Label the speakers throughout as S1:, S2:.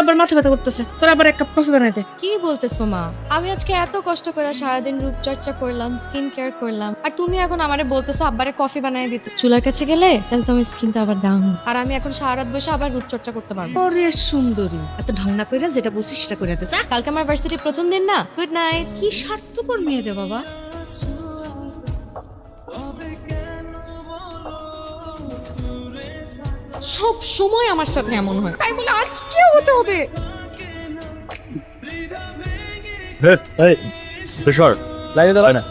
S1: আবার মাথা ব্যথা করতেছে, তোর আবার এক কাপ কফি বানাই দে।
S2: কি বলতেছো মা? আমি আজকে এত কষ্ট করে সারাদিন রূপচর্চা করলাম, স্কিন কেয়ার করলাম, আর তুমি এখন আমারে বলতেছো আব্বারে কফি বানিয়ে দিতে। চুলার কাছে গেলে তাহলে তো আমার স্কিনটা আবার ডাউন, আর আমি এখন সারা রাত বসে আবার রূপচর্চা করতে পারবো।
S1: ওরে সুন্দরী, এত ঢং না কইরা যেটা বলছিস সেটা কইরা দে যা।
S2: কালকে আমার ভার্সিটির প্রথম দিন না। Good night.
S1: কি স্বার্থপর মেয়ে রে বাবা।
S2: সব সময় আমার সাথে এমন হয়, তাই বলে আজকেও হতে হবে?
S3: লাইনে দাঁড়ায় না।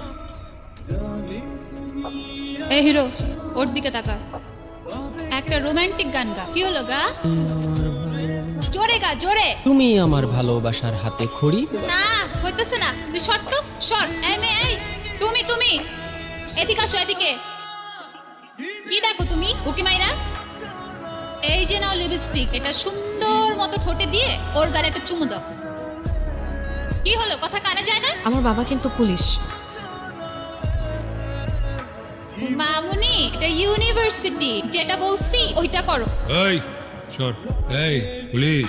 S4: এই হিরো, ওর দিকে তাকা, একটা রোমান্টিক গান গা। কি হলো গা? জোরে গা, জোরে।
S5: তুমি আমার ভালোবাসার হাতে খড়ি।
S4: না হইতেছে না, তুই সর তো, সর। এই মেয়ে, এই তুমি তুমি এদিকে আসো, এদিকে। কি দেখো তুমি উকি মাইরা? এই যে নাও লিপস্টিক, এটা সুন্দর মতো ঠোঁটে দিয়ে ওর গালে একটা চুমু দাও। কি হলো, কথা কানে যায় না?
S2: আমার বাবা কিন্তু পুলিশ।
S4: মামুনি, এটা ইউনিভার্সিটি, যেটা বলছি ওইটা করো।
S6: এই সর, এই পুলিশ।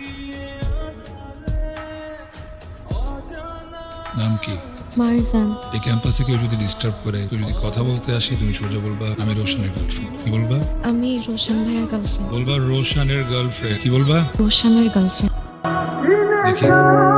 S6: নাম কি?
S2: মারজান।
S6: এই ক্যাম্পাসে কেউ যদি ডিস্টার্ব করে, কেউ যদি কথা বলতে আসে, তুমি সোজা বলবা আমি রোশনের গার্লফ্রেন্ড। কি বলবা?
S2: আমি রোশন ভাইয়ের গার্লফ্রেন্ড।
S6: বলবা রোশনের গার্লফ্রেন্ড। কি বলবা?
S2: রোশনের গার্লফ্রেন্ড।
S6: দেখি